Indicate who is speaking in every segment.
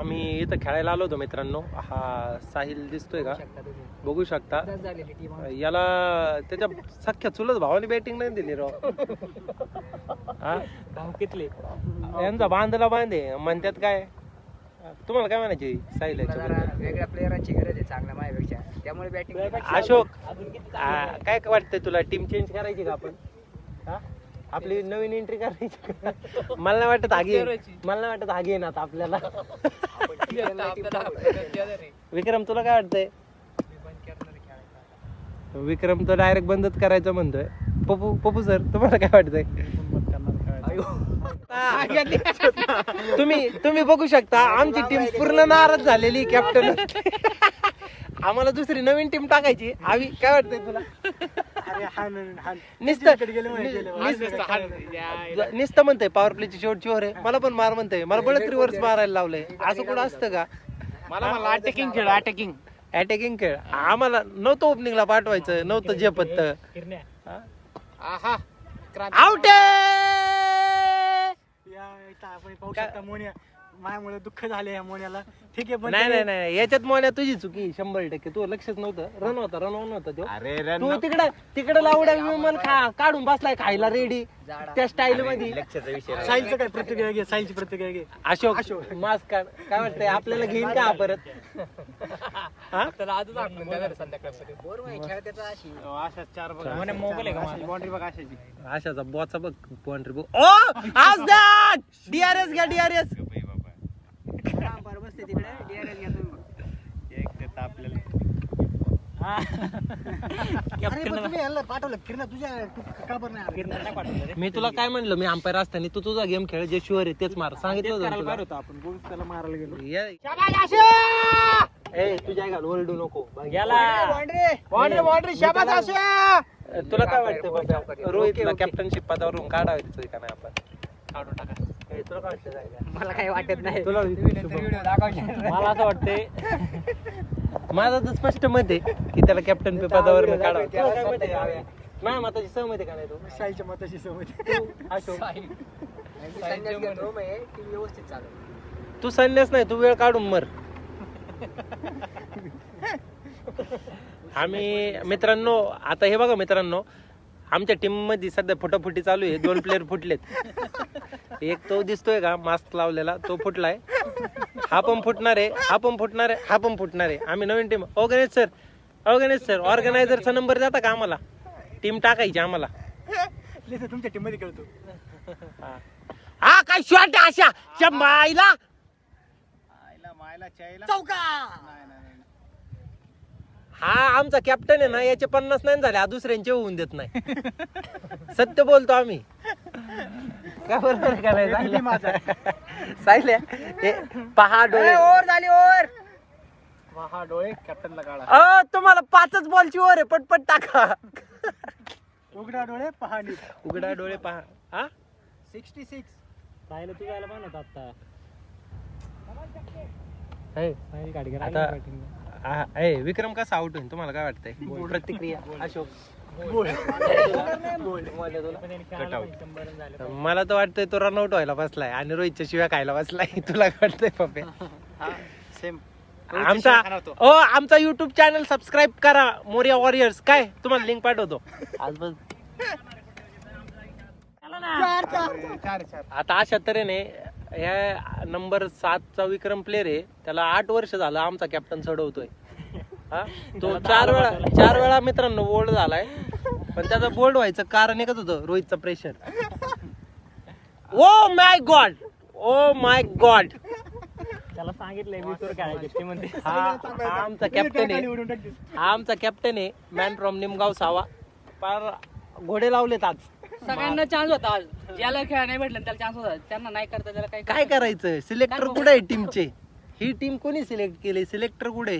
Speaker 1: आम्ही इथं खेळायला आलो होतो मित्रांनो. हा साहिल दिसतोय का, बघू शकता. याला त्याच्या सख्या चुलत भावाने बॅटिंग नाही दिली राव.
Speaker 2: भाऊ कितले
Speaker 1: यांचा बांधला बांधे म्हणतात. काय तुम्हाला काय म्हणायची साहिल
Speaker 2: वेगळ्या प्लेयरांची गरज आहे चांगल्या माझ्यापेक्षा, त्यामुळे बॅटिंग.
Speaker 1: अशोक काय वाटतंय तुला, टीम चेंज करायची का आपण? आपली नवीन एंट्री करायची? मला नाही वाटत आगी येईन आता आपल्याला. विक्रम तुला काय वाटतंय? विक्रम तर डायरेक्ट बंदच करायचं म्हणतोय. पप्पू सर तुम्हाला काय वाटतंय? तुम्ही बघू शकता आमची टीम पूर्ण नाराज झालेली. कॅप्टन आम्हाला दुसरी नवीन टीम टाकायची. आम्ही काय वाटतंय तुला? नुसतं म्हणतंय पॉवर प्लेची शेवटची ओव्हर आहे, मला पण मार म्हणतंय. मला बळत रिव्हर्स मारायला लावलंय. असं कुठं असतं का?
Speaker 2: मला अटॅकिंग
Speaker 1: खेळ आम्हाला नव्हतं ओपनिंगला पाठवायचं, नव्हतं झेपत. आउट
Speaker 2: माझ्यामुळे दुःख झाले मोन्याला. ठीक आहे,
Speaker 1: नाही याच्यात मोन्या तुझी चुकी 100%. तू लक्षच नव्हतं. रन होता तो. तू तिकडे लावड्या विमान काढून बसलाय खायला रेडी त्या स्टाईल मध्ये.
Speaker 2: साहिलचं काय प्रतिक्रिया घे, साहिलची प्रतिक्रिया घे.
Speaker 1: अशोक मास्क काढ. काय वाटतंय आपल्याला घेईन का परत? अशाचा बॉचा बघ बाउंड्री बघ. डीआरएस घ्या डीआरएस. मी तुला काय म्हणलं, मी अंपायर असताना तू तुझा गेम खेळ, जे शुअर आहे तेच मार. सांगितलं होतं
Speaker 2: आपण त्याला मारायला गेलो.
Speaker 1: तुझ्या घाल ओरडू नको. तुला काय वाटतं रोहितला कॅप्टनशिप पदावरून काढायचं का नाही आपण? काढून टाका. तुला काय वाटतं?
Speaker 2: मला काही वाटत नाही.
Speaker 1: तुला मला असं वाटतंय, माझं तर स्पष्ट मत आहे की त्याला कॅप्टन पदावर काढावं. माझ्या मताची सहमत आहे का नाही? तू
Speaker 2: साहिलच्या मताशी सहमत.
Speaker 1: तू संन्यास नाही, तू वेळ काढून मर. आम्ही मित्रांनो, आता हे बघा मित्रांनो, आमच्या टीम मध्ये सध्या फुटाफुटी चालू आहे. 2 प्लेअर फुटलेत. एक तो दिसतोय का मास्क लावलेला, तो फुटलाय. हा पण फुटणार आहे. आम्ही नवीन टीम. ऑर्गनायझरचा नंबर जाता का आम्हाला? टीम टाकायची आम्हाला.
Speaker 2: तुमच्या टीम मध्ये खेळतो.
Speaker 1: हा काय शॉट अशा मायला
Speaker 2: चौका.
Speaker 1: हा आमचा कॅप्टन आहे ना, याचे 50 नाही झाले, हा दुसऱ्यांचे होऊन देत नाही. सत्य बोलतो आम्ही. काय बरोबर का नाही? साहिल पहा डोळे.
Speaker 2: ओव्हर झाली, ओव्हर. पहा डोळे कॅप्टनला काढा.
Speaker 1: तुम्हाला 5च बॉलची ओव्हर आहे, पटपट टाका.
Speaker 2: उघडा डोळे पहा.
Speaker 1: उघडा डोळे पहा. हा
Speaker 2: 66 साहिल तू जायला पाहिजे आता.
Speaker 1: विक्रम कसा आउट होईल तुम्हाला काय वाटतंय? प्रतिक्रिया अशोक. मला तर वाटतंय तो रनआउट व्हायला बसलाय आणि रोहितच्या शिव्या खायला बसलाय. तुला काय वाटतंय पप्या?
Speaker 2: सेम.
Speaker 1: आमचा युट्यूब चॅनल सबस्क्राईब करा, मोरिया वॉरियर्स. काय तुम्हाला लिंक पाठवतो आज. बस आता अशा तऱ्हेने ह्या नंबर 7चा विक्रम प्लेअर आहे. त्याला 8 वर्ष झालं आमचा कॅप्टन चढवतोय. तो 4 वेळा मित्रांनो बोल्ड झालाय. पण त्याचा बोल्ड व्हायचं कारण एकच होतं, रोहितचं प्रेशर. Oh my God.
Speaker 2: त्याला सांगितलंय 20 वर खेळायचं ते म्हणते.
Speaker 1: आमचा कॅप्टन आहे मॅन फ्रॉम निमगाव सावा. पार घोडे लावलेत आज.
Speaker 2: सगळ्यांना चान्स होता आज. ज्याला खेळ नाही भेटला त्याला चान्स होता. त्यांना नाही करता त्याला
Speaker 1: काय करायचं? सिलेक्टर कुठे आहे टीमचे? ही टीम कोणी सिलेक्ट केली? सिलेक्टर कुठे?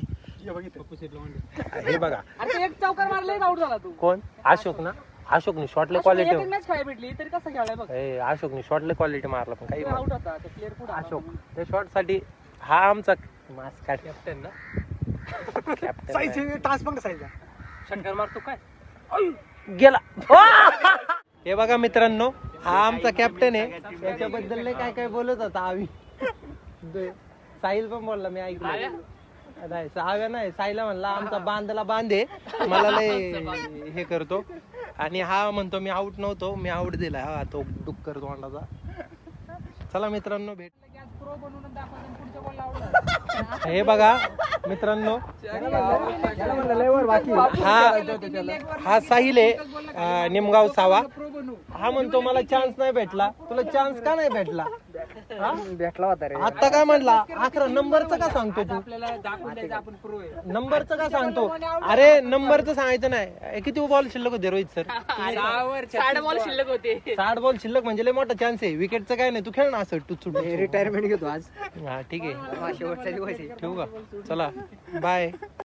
Speaker 1: हे बघा,
Speaker 2: एक चौकार मारले आउट झाला तू.
Speaker 1: कोण? अशोक ना. अशोकने शॉटले क्वालिटी
Speaker 2: मॅच खेळायला भेटली तरी कसं खेळायला बघ.
Speaker 1: अशोकने शॉटले क्वालिटी मारला पण काही
Speaker 2: आउट होता. ते प्लेअर कुठे?
Speaker 1: अशोक त्या शॉट साठी हा आमचा मास्क कॅप्टन ना.
Speaker 2: कॅप्टन टास्क बघ साईजचा. षटकार मारतो काय
Speaker 1: गेला. हे बघा मित्रांनो, हा आमचा कॅप्टन आहे. त्याच्याबद्दल काय काय बोलत होता आम्ही. साहिल पण बोलला मी ऐकलं. नाही सहाव्या नाही, साईला म्हणला आमचा बांधला बांधे मला लय हे करतो. आणि हा म्हणतो मी आऊट नव्हतो, मी आऊट दिला. हा तो डुक्कर तोंडाचा. चला मित्रांनो भेट. हे बघा मित्रांनो, हा साहिल आहे निमगाव सावा. हा म्हणतो मला चान्स नाही भेटला. तुला चान्स का नाही भेटला?
Speaker 3: भेटला होता रे.
Speaker 1: आता काय म्हणला 11 नंबरचं का सांगतो तू?
Speaker 2: आपल्याला दाखवून द्यायचं आपण प्रो आहे.
Speaker 1: नंबरचं का सांगतो? अरे नंबरचं सांगायचं नाही. किती बॉल शिल्लक होते रोहित सर?
Speaker 2: 60 बॉल शिल्लक होते.
Speaker 1: 60 बॉल शिल्लक म्हणजे लय मोठा चान्स आहे. विकेटचं काय नाही, तू खेळ ना असं टुचूट.
Speaker 3: रिटायरमेंट घेतो आज.
Speaker 1: हा ठीक आहे,
Speaker 3: शेवटचा दिवस आहे.
Speaker 1: ठेवू का? चला बाय.